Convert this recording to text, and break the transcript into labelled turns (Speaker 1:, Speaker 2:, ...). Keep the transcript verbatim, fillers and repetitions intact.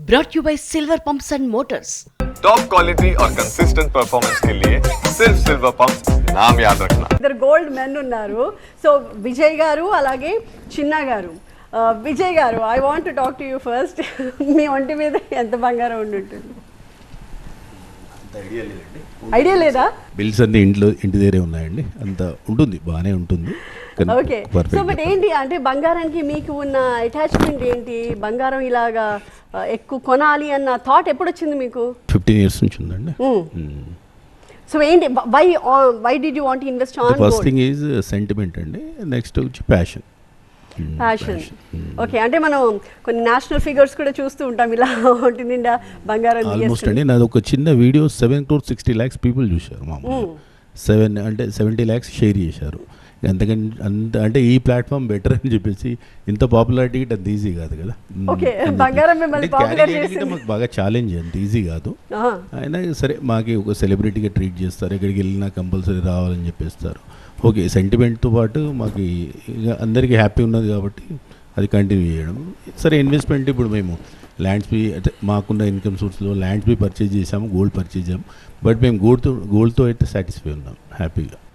Speaker 1: brought you by Silver Pumps and Motors.
Speaker 2: Top quality और consistent performance के लिए सिर्फ सिल्वर पंप्स नाम याद रखना.
Speaker 3: ఇద్దరు గోల్డ్ మెన్ ఉన్నారు. సో విజయ్ గారు అలాగే చిన్న గారు. విజయ్ గారు, I want to talk to you first. మీ ఒంటి మీద ఎంత బంగారం ఉండి ఉంటుంది? ఐడియా లేదా?
Speaker 4: బిల్స్ అన్ని ఇంట్లో ఇంటి దగ్గరే ఉన్నాయండి, అంత ఉంటుంది, బాగానే ఉంటుంది.
Speaker 3: ఓకే, సో బట్ ఏంటి అంటే బంగారానికి మీకు ఉన్న అటాచ్మెంట్ ఏంటి? బంగారం ఇలాగా ఎక్కువ కొనాలి అన్న థాట్ ఎప్పుడు వచ్చింది మీకు?
Speaker 4: ఫిఫ్టీన్ ఇయర్స్ నుంచి ఉందండి.
Speaker 3: సో ఏంటి, why why did you want to invest on gold?
Speaker 4: First thing is sentiment అండి, నెక్స్ట్ వచ్చి ప్యాషన్.
Speaker 3: ప్యాషన్. ఓకే, అంటే మనం కొన్ని నేషనల్ ఫిగర్స్ కూడా చూస్తూ ఉంటాం, ఇలా ఒంటి నిండా బంగారం.
Speaker 4: ఆల్మోస్ట్ అండి నాది ఒక చిన్న video seven crore sixty lakhs people చూశారు. మామూలు సెవెన్ అంటే సెవెంటీ ల్యాక్స్ షేర్ చేశారు. అంతకని అంత అంటే ఈ ప్లాట్ఫామ్ బెటర్ అని చెప్పేసి ఇంత పాపులారిటీ అంత ఈజీ కాదు కదా. మాకు బాగా ఛాలెంజ్, అంత ఈజీ కాదు. అయినా సరే మాకి ఒక సెలబ్రిటీగా ట్రీట్ చేస్తారు, ఎక్కడికి వెళ్ళినా కంపల్సరీ రావాలని చెప్పేస్తారు. ఓకే, సెంటిమెంట్తో పాటు మాకు ఇక అందరికీ హ్యాపీ ఉన్నది కాబట్టి అది కంటిన్యూ చేయడం. సరే, ఇన్వెస్ట్మెంట్ ఇప్పుడు మేము ల్యాండ్స్ బి అంటే మాకున్న ఇన్కమ్ సోర్స్లో ల్యాండ్స్ బి పర్చేజ్ చేసాము, గోల్డ్ పర్చేజ్ చేసాము. బట్ మేము గోల్డ్తో గోల్డ్తో అయితే సాటిస్ఫై ఉన్నాం హ్యాపీగా.